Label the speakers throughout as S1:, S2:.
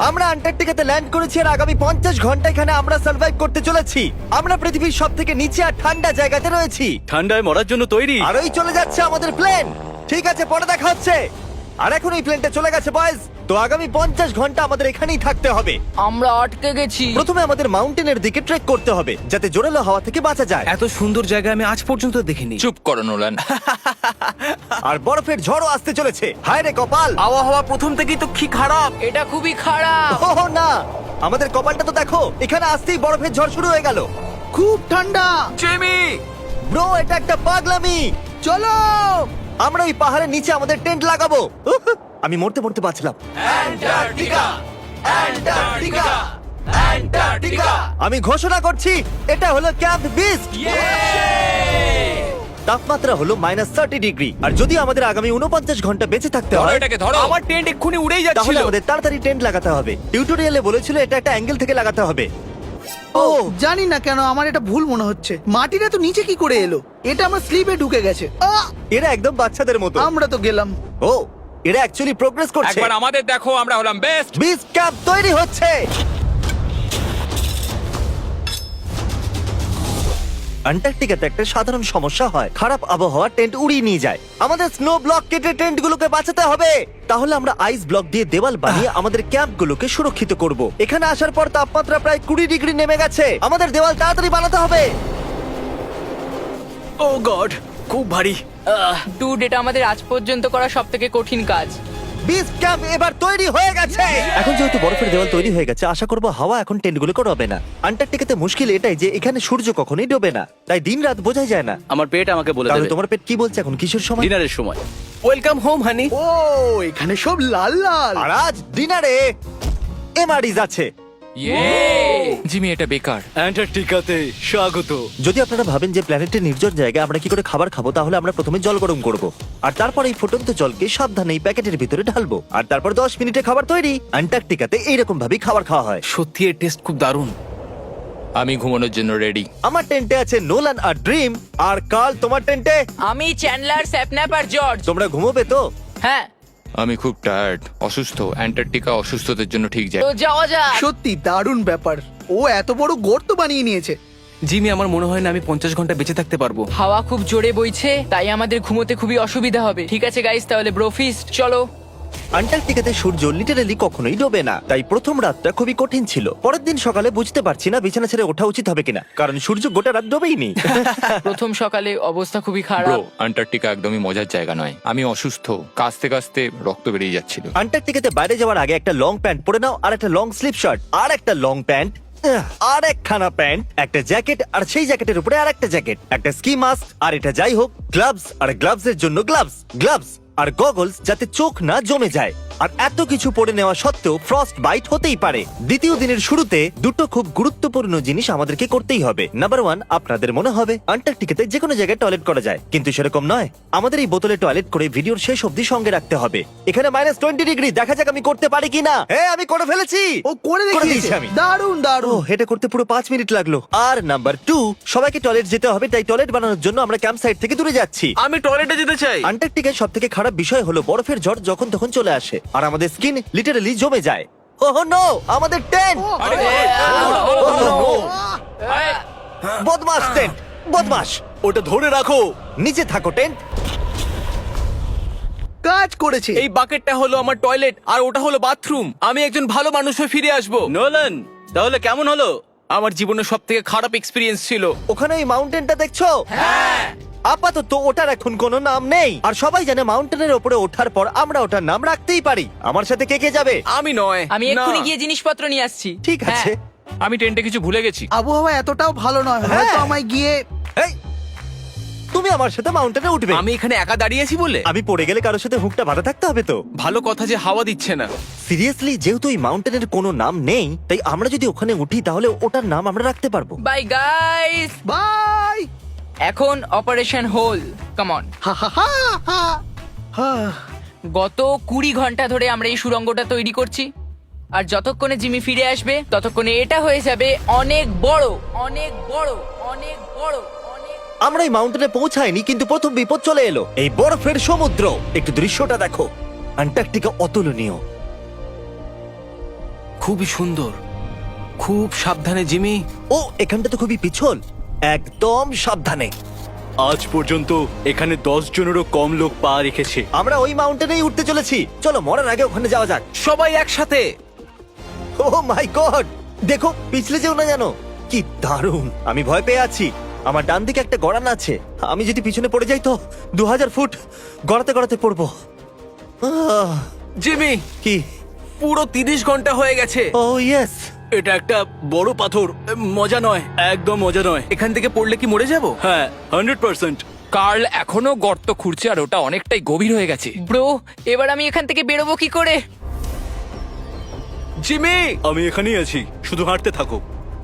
S1: আমরা আন্টার্কটিকাতে ল্যান্ড করেছি আর আগামী 50 ঘন্টা এখানে আমরা সার্ভাইভ করতে চলেছি। আমরা পৃথিবীর সবথেকে নিচে আর ঠান্ডা জায়গাতে রয়েছি,
S2: ঠান্ডায় মরার জন্য তৈরি।
S1: আর ওই চলে যাচ্ছে আমাদের প্লেন। ঠিক আছে, পরে দেখা হচ্ছে। আর এখন এই প্লেনটা চলে গেছে বয়েজ। তো আগামী 50 ঘন্টা আমাদের এখানেই থাকতে হবে।
S3: আমরা আটকে গেছি।
S1: প্রথমে আমাদের মাউন্টেনের দিকে ট্রেক করতে হবে যাতে জোরালো হাওয়া থেকে বাঁচা যায়।
S2: এত সুন্দর জায়গা আমি আজ পর্যন্ত দেখিনি।
S4: চুপ করো নোলান।
S1: আর বরফের ঝড়ও আসতে চলেছে। হায় রে কপাল!
S2: আবহাওয়া প্রথম থেকেই তো কি খারাপ।
S3: এটা খুবই খারাপ।
S1: ওহ না, আমাদের কপালটা তো দেখো, এখানে আসতেই বরফের ঝড় শুরু হয়ে গেল।
S5: খুব ঠান্ডা।
S2: জেমি,
S1: ব্রো, এটা একটা পাগলামি।
S5: চলো।
S1: আমরা ওই পাহাড়ের নিচে আমাদের টেন্ট লাগাবো। উহ, আমি মরতে মরতে বাঁচলাম। আমি ঘোষণা করছি, এটা হলো ক্যাম্প বিস্ট। তাপমাত্রা হলো -30 ডিগ্রি। আর যদি আমাদের আগামী 49 ঘন্টা বেঁচে থাকতে
S4: ধরো
S1: হয়,
S4: এটাকে, ধরো।
S2: আমার টেন্ট এক্ষুনি উড়েই
S1: তাহলে
S2: যাচ্ছিল।
S1: আমাদের তাড়াতাড়ি টেন্ট লাগাতে হবে। টিউটোরিয়ালে বলেছিল এটা একটা অ্যাঙ্গেল থেকে লাগাতে হবে।
S5: ও জানি না কেন আমার এটা ভুল মনে হচ্ছে। মাটিটা তো নিচে কি করে এলো? এটা আমার স্লিপে ঢুকে গেছে।
S1: এরা একদম বাচ্চাদের মতো।
S5: আমরা তো গেলাম।
S1: ও, এরা অ্যাকচুয়ালি প্রোগ্রেস করছে।
S4: একবার আমাদের দেখো, আমরা হলাম বেস্ট।
S1: বিচ ক্যাম্প তৈরি হচ্ছে। আন্টার্কটিকাতে একটা সাধারণ সমস্যা হয়, খারাপ আবহাওয়া টেন্ট উড়িয়ে নিয়ে যায়। আমাদের স্নো ব্লক কেটে টেন্টগুলোকে বাঁচাতে হবে। তাহলে আমরা আইস ব্লক দিয়ে দেওয়াল বানিয়ে আমাদের ক্যাম্পগুলোকে সুরক্ষিত করব। এখানে আসার পর তাপমাত্রা প্রায় 20 ডিগ্রি নেমে গেছে। আমাদের দেওয়াল তাড়াতাড়ি বানাতে হবে।
S2: ও গড, খুব ভারী।
S3: ডুড, এটা আমাদের আজ পর্যন্ত করা সবথেকে কঠিন কাজ।
S1: বিচ ক্যাম্প এবার তৈরি হয়ে গেছে। এখন যেহেতু বরফের দেওয়াল তৈরি হয়ে গেছে, আশা করবো হাওয়া এখন টেন্টগুলোকে ডোবে না। আন্টার্কটিকাতে মুশকিল এটাই যে এখানে সূর্য কখনোই ডোবে না, তাই দিন রাত বোঝাই যায় না।
S2: আমার পেট আমাকে বলে
S1: তাহলে
S2: দেবে
S1: তোমার পেট কি বলছে এখন? কিশোর সময়?
S2: ডিনারের সময়। Welcome home honey.
S5: ও এখানে সব লাল লাল।
S1: আর আজ ডিনারে এমআরইজ আছে।
S4: জিমি, এটা বেকার।
S2: অ্যান্টার্কটিকাতে স্বাগত।
S1: যদি আপনারা ভাবেন যে প্ল্যানেটের নির্জন জায়গায় আমরা কি করে খাবার খাবো, তাহলে আমরা প্রথমে জল গরম করব, আর তারপর এই ফুটন্ত জলকে সাবধানে এই প্যাকেটের ভিতরে ঢালবো, আর তারপর 10 মিনিটে খাবার তৈরি। আন্টার্কটিকাতে এইরকম ভাবেই খাবার খাওয়া হয়।
S2: সত্যি এর টেস্ট খুব দারুণ।
S4: আমি ঘুমানোর জন্য রেডি।
S1: আমার টেন্টে আছে নোলান আর ড্রিম। আর কাল, তোমার টেন্টে?
S3: আমি চ্যান্ডলার, স্যাপন্যাপ আর জর্জ।
S1: তোমরা ঘুমোবে তো?
S3: হ্যাঁ,
S4: আমি খুব টায়ার্ড, অসুস্থ। অ্যান্টার্কটিকা অসুস্থদের জন্য ঠিক যায়।
S3: তো যাওয়া যাক।
S5: সত্যি দারুণ ব্যাপার। ও এত বড় গর্ত বানিয়ে নিয়েছে।
S2: জিমি, আমার মনে হয় না আমি 50 ঘন্টা বেঁচে থাকতে পারবো।
S3: হাওয়া খুব জোরে বইছে, তাই আমাদের ঘুমোতে খুবই অসুবিধা হবে। ঠিক আছে গাইস, তাহলে ব্রোফিস্ট চলো।
S1: আন্টার্কটিকাতে সূর্য লিটারালি কখনোই ডোবে না, তাই প্রথম রাতটা খুবই কঠিন ছিল। পরের দিন সকালে বুঝতে পারছি না বিছানা ছেড়ে ওঠা উচিত হবে কিনা, কারণ সূর্য গোটা রাত ডোবেইনি।
S3: প্রথম সকালে অবস্থা খুবই
S4: ব্রো,
S3: খারাপ।
S4: আন্টার্কটিকা একদমই মজার জায়গা নয়। আমি অসুস্থ, কাঁচতে কাঁচতে রক্ত বেরিয়ে যাচ্ছিল।
S1: আন্টার্কটিকাতে বাইরে যাওয়ার আগে একটা লং প্যান্ট পরে নাও, আর একটা লং স্লিভ শার্ট, আর একটা লং প্যান্ট, আর একখানা প্যান্ট, একটা জ্যাকেট, আর সেই জ্যাকেটের উপরে আর একটা জ্যাকেট, একটা স্কি মাস্ক, আর এটা যাই হোক গ্লাভস, আর গ্লাভস এর জন্য গ্লাভস আর গগলস যাতে চোখ না জমে যায়। আর এত কিছু পরে নেওয়া সত্ত্বেও ফ্রস্ট বাইট হতেই পারে। দ্বিতীয় দিনের শুরুতে দুটো খুব গুরুত্বপূর্ণ জিনিস আমাদেরকে করতেই হবে। নাম্বার 1, আপনাদের মনে হবে আন্টার্কটিকাতে যে কোনো জায়গায় টয়লেট করা যায়, কিন্তু সেরকম নয়। আমাদের এই বোতলে টয়লেট করে ভিডিওর শেষ অবধি সঙ্গে রাখতে হবে। এখানে -20 ডিগ্রি, দেখা যাক আমি করতে পারি কিনা। হ্যাঁ, আমি করে ফেলেছি।
S5: ও করে
S1: দিয়েছি
S5: দেখিয়েছে।
S1: আমি।
S5: দারুণ
S1: ও,
S5: দারুণ।
S1: এটা করতে পুরো 5 মিনিট লাগলো। আর নাম্বার 2, সবাইকে টয়লেট যেতে হবে, তাই টয়লেট বানানোর জন্য আমরা ক্যাম্প সাইট থেকে দূরে যাচ্ছি।
S2: আমি টয়লেটে যেতে চাই।
S1: আন্টার্কটিকার সব থেকে খারাপ বিষয় হলো বরফের ঝড় যখন তখন চলে আসে, আর আমাদের স্কিন লিটারালি জমে যায়। ওহ নো, আমাদের টেন্ট! বদমাস টেন্ট, বদমাস!
S2: ওটা ধরে রাখো।
S1: নিচে থাকো টেন্ট।
S5: কাজ করেছে।
S2: এই বাকেটটা হলো আমার টয়লেট, আর ওটা হলো বাথরুম। আমি একজন ভালো মানুষ হয়ে ফিরে আসবো। নোলান, তাহলে কেমন হলো? আমার জীবনের সব থেকে খারাপ এক্সপিরিয়েন্স ছিল।
S1: ওখানে ওই মাউন্টেনটা দেখছো? হ্যাঁ। আপাতত ওটার এখন কোনো নাম নেই, আর সবাই জানে মাউন্টেনের উপরে ওঠার পর আমরা ওটার নাম রাখতেই পারি। আমার সাথে কে কে যাবে?
S2: আমি নয়।
S3: আমি
S2: না।
S3: এক্ষুনি গিয়ে জিনিসপত্র নিয়ে আসছি।
S1: ঠিক আছে।
S4: আমি টেন্টে কিছু ভুলে গেছি।
S5: আবহাওয়া এতটাও ভালো নয়,
S1: হ্যাঁ।
S5: হয়তো আমায় গিয়ে।
S1: এই, তুমি আমার সাথে মাউন্টেনে উঠবে?
S2: আমি এখানে একা দাঁড়িয়ে আছি বলে?
S1: আমি পড়ে গেলে কারোর সাথে হুকটা বাঁধা থাকতে হবে তো।
S2: ভালো কথা যে হাওয়া দিচ্ছে না।
S1: সিরিয়াসলি, যেহেতু এই মাউন্টেনের কোনো নাম নেই, তাই আমরা যদি ওখানে উঠি তাহলে ওটার নাম আমরা রাখতে পারবো।
S3: Bye guys.
S5: বাই।
S3: এখন অপারেশন হোল, কাম অন।
S5: হা হা হা হা। হা।
S3: গত 20 ঘন্টা ধরে আমরা এই সুড়ঙ্গটা তৈরি করছি, আর যতক্ষণে জিমি ফিরে আসবে ততক্ষণে এটা হয়ে যাবে অনেক বড়, অনেক বড়, অনেক বড়, অনেক।
S1: আমরা এই মাউন্টেনে পৌঁছাইনি, কিন্তু প্রথম বিপদ চলে এলো। এই বরফের সমুদ্র, একটু দৃশ্যটা দেখো। আন্টার্কটিকা অতুলনীয়।
S2: খুবই সুন্দর, খুব সাবধানে জিমি।
S1: ও এখানটা তো খুবই পিছল, একদম সাবধানে।
S6: আজ পর্যন্ত এখানে 10 জনেরও কম লোক পা রেখেছে।
S1: আমরা ওই মাউন্টেনেই উঠতে চলেছি, চলো মরার আগে ওখানে যাওয়া যাক।
S2: সবাই একসাথে।
S1: ও মাই গড, দেখো পিছলে যেও না জানো। কি দারুণ, আমি ভয় পেয়ে আছি। আমার ডান দিকে একটা গড়ান আছে, আমি যদি পিছনে পড়ে যাই তো 2000 ফুট গড়াতে গড়াতে পড়বো।
S2: জিমি,
S1: কি?
S2: পুরো 30 ঘন্টা হয়ে গেছে।
S1: Oh yes.
S6: এটা একটা বড় পাথর, মজা নয়, একদম মজা নয়।
S2: এখান থেকে পড়লে কি মরে যাব?
S6: হ্যাঁ 100%।
S4: কার্ল এখনো গর্ত খুঁড়ছে আর ওটা অনেকটাই গভীর হয়ে গেছে।
S3: ব্রো, এবার আমি এখান থেকে বেরোবো কি করে?
S2: জিমি,
S6: আমি এখানেই আছি, শুধু হাঁটতে থাকো।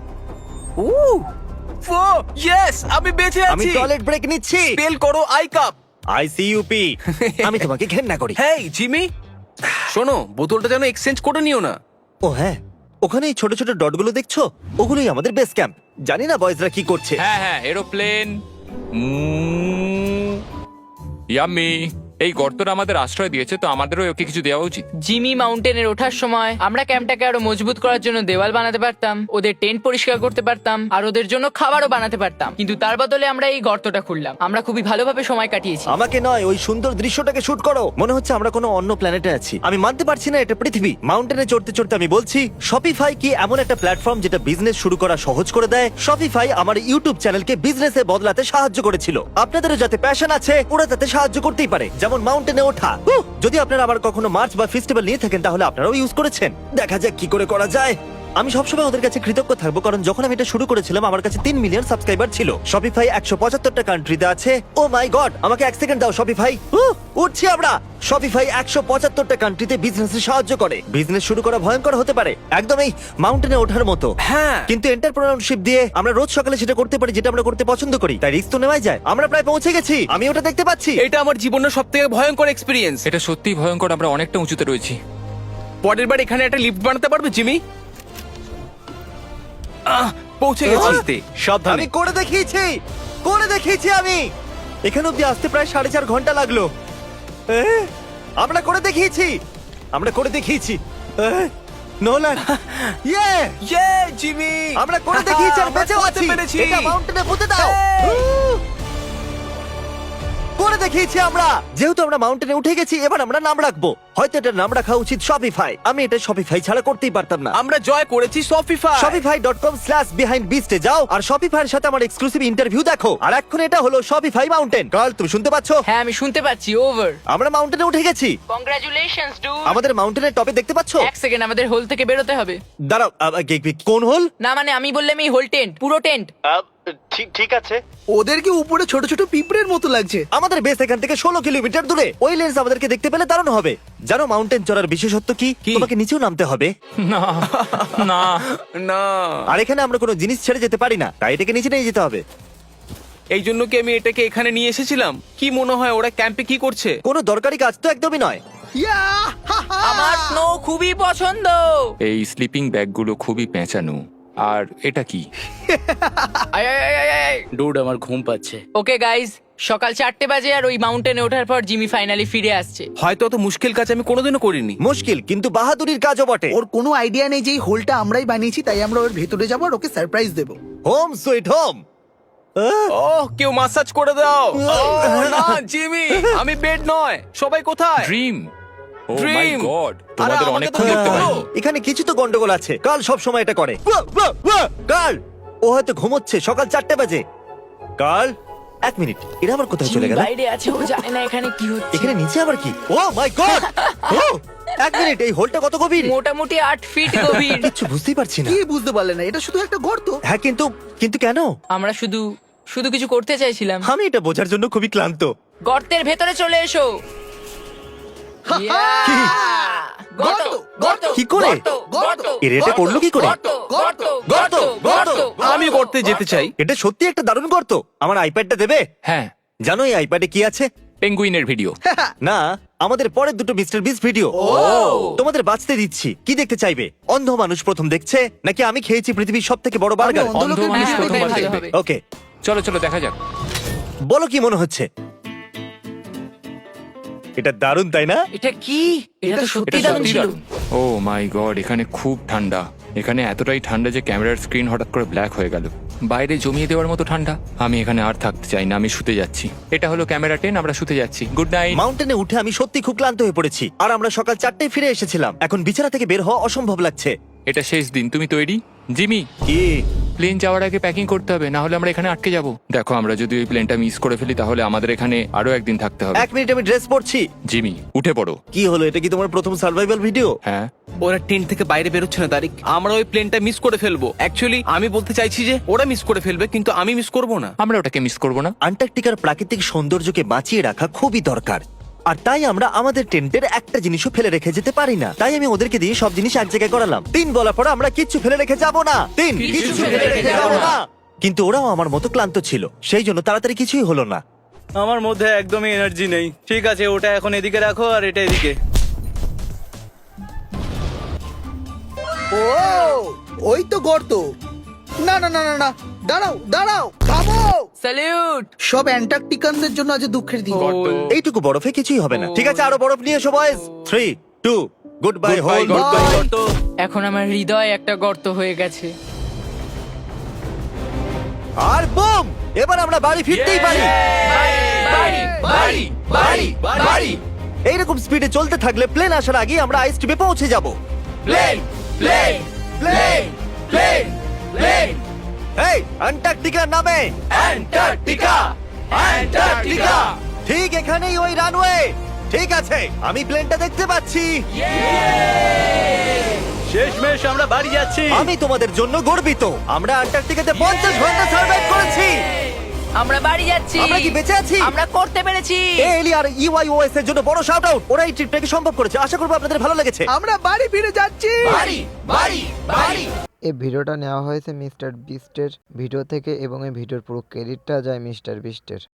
S2: ইয়েস, আমি বেঁচে
S1: আমি
S2: আছি।
S1: টয়লেট ব্রেক নিচ্ছি।
S2: স্পেল করো আই কাপ।
S1: আইসিইউপি। আমি তোমাকে ঘেন্না করি।
S2: হেই জিমি, শোনো, বোতলটা যেন এক্সচেঞ্জ করে নিও না।
S1: ও হ্যাঁ, ওখানে এই ছোট ছোট ডটগুলো দেখছো, ওগুলোই আমাদের বেস ক্যাম্প। জানি না বয়েজরা কি করছে।
S4: হ্যাঁ হ্যাঁ, এরোপ্লেন। ইয়াম্মি, এই গর্তটা আমাদের আশ্রয় দিয়েছে, তো আমাদেরও ওকে কিছু দেওয়া উচিত।
S3: জিমি মাউন্টেনের ওঠার সময় আমরা ক্যাম্পটাকে আরো মজবুত করার জন্য দেওয়াল বানাতে পারতাম, ওদের টেন্ট পরিষ্কার করতে পারতাম, আর ওদের জন্য খাবারও বানাতে পারতাম, কিন্তু তার বদলে আমরা এই গর্তটা খুললাম। আমরা খুবই ভালোভাবে সময় কাটিয়েছি।
S1: আমাকে নয়, ওই সুন্দর দৃশ্যটাকে শুট করো। মনে হচ্ছে আমরা কোনো অন্য প্ল্যানেটে আছি। আমি মানতে পারছি না এটা পৃথিবী। মাউন্টেনে চড়তে চড়তে আমি বলছি, শপিফাই কি এমন একটা প্ল্যাটফর্ম যেটা বিজনেস শুরু করা সহজ করে দেয়? শপিফাই আমার ইউটিউব চ্যানেলকে বিজনেসে বদলাতে সাহায্য করেছিল। আপনাদেরও যাতে প্যাশন আছে, ওরা তাতে সাহায্য করতেই পারে, যেমন মাউন্টেনে ওঠা। যদি আপনারা আবার কখনো মার্চ বা ফেস্টিভ্যাল নিয়ে থাকেন, তাহলে আপনারাও ইউজ করেছেন। দেখা যাক কি করে করা যায়। আমি সবসময় ওদের কাছে কৃতজ্ঞ থাকবো, কারণ যখন আমি এটা শুরু করেছিলাম আমার কাছে 3 মিলিয়ন সাবস্ক্রাইবার ছিল। শপিফাই 175টা কান্ট্রিতে আছে। ও মাই গড, আমাকে 1 সেকেন্ড দাও শপিফাই। উঠছি আমরা। শপিফাই 175টা কান্ট্রিতে বিজনেসে সাহায্য করে। বিজনেস শুরু করা ভয়ঙ্কর হতে পারে, একদম এই মাউন্টেনে ওঠার মতো।
S2: হ্যাঁ,
S1: কিন্তু এন্টারপ্রেনারশিপ দিয়ে আমরা রোজ সকালে সেটা করতে পারি যেটা আমরা করতে পছন্দ করি, তাই রিস্ক তো নেওয়াই যায়। আমরা প্রায় পৌঁছে গেছি, আমি ওটা দেখতে পাচ্ছি।
S2: এটা আমার জীবনের সবথেকে ভয়ঙ্কর এক্সপেরিয়েন্স।
S4: এটা সত্যিই ভয়ঙ্কর, আমরা অনেকটা উঁচুতে রয়েছি।
S2: পরের বার এখানে একটা লিফট বানাতে পারবে জিমি? পৌঁছে গেছি।
S6: সাবধানে।
S1: আমি করে দেখিয়েছি আমি। এখানে অব্দি আসতে প্রায় 4.5 ঘন্টা লাগলো। আমরা করে দেখিয়েছি। নোলান, ইয়ে!
S2: ইয়ে জিমি,
S1: আমরা করে দেখিয়েছি আর বেঁচেও
S2: করতে
S1: আছি।
S2: পেরেছি।
S1: এটা মাউন্টেনে পুঁতে দাও। করে দেখিয়েছি আমরা। যেহেতু আমরা মাউন্টেনে উঠে গেছি, এবার আমরা নাম রাখবো। হয়তো এটার নাম রাখা উচিত শপিফাই। আমি এটা শপিফাই ছাড়া করতেই পারতাম না।
S2: আমরা জয় করেছি শপিফাই।
S1: shopify.com/behindbeast এ যাও আর শপিফাইয়ের সাথে আমার এক্সক্লুসিভ ইন্টারভিউ দেখো। আর এখন এটা হলো শপিফাই মাউন্টেন। কার্ল, তুমি শুনতে পাচ্ছো?
S3: হ্যাঁ, আমি শুনতে পাচ্ছি। ওভার।
S1: আমরা মাউন্টেনে উঠে গেছি।
S3: Congratulations dude.
S1: আমাদের মাউন্টেনের টপে দেখতে পাচ্ছো?
S3: এক সেকেন্ড, আমাদের হোল থেকে বেরোতে হবে।
S1: দাঁড়াও, কোন হোল?
S3: না মানে আমি বললাম এই হোল টেন্ট, পুরো টেন্ট।
S1: ঠিক আছে।
S5: ওদেরকে উপরে ছোট ছোট পিঁপড়ের মতো লাগছে।
S1: আমাদের বেস এখান থেকে 16 কিলোমিটার দূরে। ওই লেন্স আমাদেরকে দেখতে পেলে দারুণ হবে। জানো মাউন্টেন চড়ার বিশেষত্ব কি? তোমাকে নিচেও নামতে হবে
S4: না না
S2: না,
S1: আর এখানে আমরা কোনো জিনিস ছেড়ে যেতে পারি না, তাই এটাকে নিচে নিয়ে যেতে হবে।
S2: এই জন্য কি আমি এটাকে এখানে নিয়ে এসেছিলাম? কি মনে হয় ওরা ক্যাম্পে কি করছে?
S1: কোনো দরকারি কাজ তো একদমই নয়।
S5: ইয়া!
S3: আমার স্নো খুবই পছন্দ।
S4: এই স্লিপিং ব্যাগগুলো খুবই পেঁচানো। আর এটা কি?
S6: ডুড, আমার ঘুম পাচ্ছে।
S3: ওকে গাইজ, সকাল 4টে বাজে আর ওই মাউন্টেনে ওঠার পর জিমি ফাইনালি ফিরে আসছে।
S2: হয়তো অত মুশকিল কাজ আমি কোনোদিনও করিনি।
S1: মুশকিল কিন্তু বাহাদুরির কাজও বটে।
S5: ওর কোনো আইডিয়া নেই যে এই হোলটা আমরাই বানিয়েছি, তাই আমরা ওর ভেতরে যাবো আর ওকে সারপ্রাইজ দেবো।
S1: Home sweet home.
S2: ওহ, কেউ মাসাজ করে দাও। ওহ, না জিমি, আমি বেড নয়। সবাই কোথায়?
S4: Dream. Oh my
S2: Dream!
S4: God,
S2: আরে,
S4: তোমাদের
S2: আমাকে
S4: অনেকক্ষণ
S2: তো
S4: দেখতে
S2: বলো।
S4: পাইনি।
S1: এখানে কিছু তো গন্ডগোল আছে। কাল সব সময় এটা করে। কাল, ও হয়তো ঘুমোচ্ছে। সকাল 4টে বাজে। কাল, 1 মিনিট, এরা আবার কোথায় চলে
S3: জিমি
S1: গেল?
S3: বাইরে আছে, ও জানে না এখানে কি হচ্ছে।
S1: এখানে নিচে আবার কি? ও মাই গড! 1 মিনিট, এই হোলটা কত গভীর?
S3: মোটামুটি 8 ফিট গভীর।
S1: কিচ্ছু বুঝতেই পারছি না।
S5: কি বুঝতে পারলে না? এটা শুধু একটা গর্ত।
S1: হ্যাঁ, কিন্তু কেন?
S3: আমরা শুধু কিছু করতে চাইছিলাম।
S1: আমি এটা বোঝার জন্য খুবই ক্লান্ত।
S3: গর্তের ভেতরে চলে এসো। Yeah! গর্ত, গর্ত,
S1: কি করে?
S3: গর্ত,
S1: এর এটা করলো কি করে?
S3: গর্ত, গর্ত,
S1: গর্ত, গর্ত।
S2: আমি করতে যেতে চাই।
S1: এটা সত্যি একটা দারুণ গর্ত। আমার আইপ্যাডটা দেবে?
S4: হ্যাঁ,
S1: জানো এই আইপ্যাডে কি আছে?
S4: পেঙ্গুইনের ভিডিও।
S1: না, আমাদের পরের দুটো মিস্টার বিস্ট ভিডিও। তোমাদের বাঁচতে দিচ্ছি। কি দেখতে চাইবে? অন্ধ মানুষ প্রথম দেখছে, নাকি আমি খেয়েছি পৃথিবীর সবথেকে বড় বার্গার?
S5: আমি অন্ধ
S4: অন্ধ
S5: লোকের
S4: মানুষ
S5: ভিডিও
S4: প্রথমবার
S3: ভালো
S4: দেখবে।
S3: হবে।
S1: ওকে,
S4: চলো চলো দেখা যাক।
S1: বলো কি মনে হচ্ছে? এটা দারুণ তাই না?
S3: এটা কি? এটা তো সত্যি
S4: এটা
S3: দারুণ
S4: সত্যি
S3: ছিল।
S4: দারুণ। ও মাই গড, এখানে খুব ঠান্ডা। এখানে এতটাই ঠান্ডা যে ক্যামেরার স্ক্রিন হঠাৎ করে ব্ল্যাক হয়ে গেল। বাইরে জমিয়ে দেওয়ার মতো ঠান্ডা। আমি এখানে আর থাকতে চাই না, আমি শুতে যাচ্ছি। এটা হলো ক্যামেরা 10, আমরা শুতে যাচ্ছি। Good night.
S1: মাউন্টেনে উঠে আমি সত্যি খুব ক্লান্ত হয়ে পড়েছি, আর আমরা সকাল 4টায় ফিরে এসেছিলাম। এখন বিছানা থেকে বের হওয়া অসম্ভব লাগছে।
S4: এটা শেষ দিন, তুমি তৈরি? জিমি,
S1: কি?
S4: প্লেন যাওয়ার আগে প্যাকিং করতে হবে, না হলে আমরা এখানে আটকে যাব। দেখো, আমরা যদি ওই প্লেনটা মিস করে ফেলি তাহলে আমাদের এখানে আরো একদিন থাকতে হবে।
S1: 1 মিনিট, আমি ড্রেস পরছি।
S4: জিমি, উঠে পড়ো।
S1: কি হলো, এটা কি তোমার প্রথম সার্ভাইভাল ভিডিও?
S4: হ্যাঁ,
S2: ওরা টেন্ট থেকে বাইরে বেরোচ্ছে না তারিক। আমরা ওই প্লেনটা মিস করে ফেলবো। অ্যাকচুয়ালি আমি বলতে চাইছি যে ওরা মিস করে ফেলবে, কিন্তু আমি মিস করব না।
S4: আমরা ওটাকে মিস করবো না।
S1: আন্টার্কটিকার প্রাকৃতিক সৌন্দর্যকে বাঁচিয়ে রাখা খুবই দরকার, আর তাই আমরা আমাদের টেন্টের একটা জিনিসও ফেলে রেখে যেতে পারি না। তাই আমি ওদেরকে দিয়ে সব জিনিস এক জায়গায় করালাম। 3 বলার পর আমরা কিচ্ছু ফেলে রেখে যাব না। 3 কিছু ফেলে রেখে যাব না। কিন্তু ওরাও আমার মতো ক্লান্ত ছিল, সেই জন্য তাড়াতাড়ি কিছুই হলো না।
S7: আমার মধ্যে একদমই এনার্জি নেই। ঠিক আছে, ওটা এখন এদিকে রাখো আর এটা এদিকে।
S5: ও ওই তো গর্ত। না না না না না, দাঁড়াও দাঁড়াও, থামো।
S3: স্যালিউট।
S5: সব অ্যান্টার্কটিকানদের জন্য আজ দুঃখের দিন।
S1: এইটুকু বরফে কিছুই হবে না। ঠিক আছে, আরো বরফ নিয়ে এসো বয়েজ। 3, 2, good bye whole.
S3: এখন আমার হৃদয় একটা গর্ত হয়ে গেছে।
S1: আর বুম, এবার আমরা বাড়ি ফিরতেই পারি। এইরকম স্পিডে চলতে থাকলে প্লেন আসার আগে আমরা আইস টিপে পৌঁছে যাব। এই অ্যান্টার্কটিকার নামে অ্যান্টার্কটিকা ঠিক এখানেই ওই রানওয়ে। ঠিক আছে, আমি প্লেনটা দেখতে পাচ্ছি।
S7: শেষমেশ আমরা বাড়ি যাচ্ছি।
S1: আমি তোমাদের জন্য গর্বিত। আমরা অ্যান্টার্কটিকাতে 50 ঘন্টা সার্ভাইভ করেছি।
S3: আমরা বাড়ি যাচ্ছি।
S1: আমরা কি বেঁচে আছি?
S3: আমরা করতে পেরেছি।
S1: এলি আর ইউআইওএস এর জন্য বড় শাউট আউট। ওরা এই ট্রিপটাকে সম্ভব করেছে। আশা করবো আপনাদের ভালো লেগেছে।
S5: আমরা বাড়ি ফিরে যাচ্ছি।
S8: এই ভিডিওটা নেওয়া হয়েছে মিস্টার বিস্টের ভিডিও থেকে এবং এই ভিডিওর পুরো ক্রেডিটটা যায় মিস্টার বিস্টের।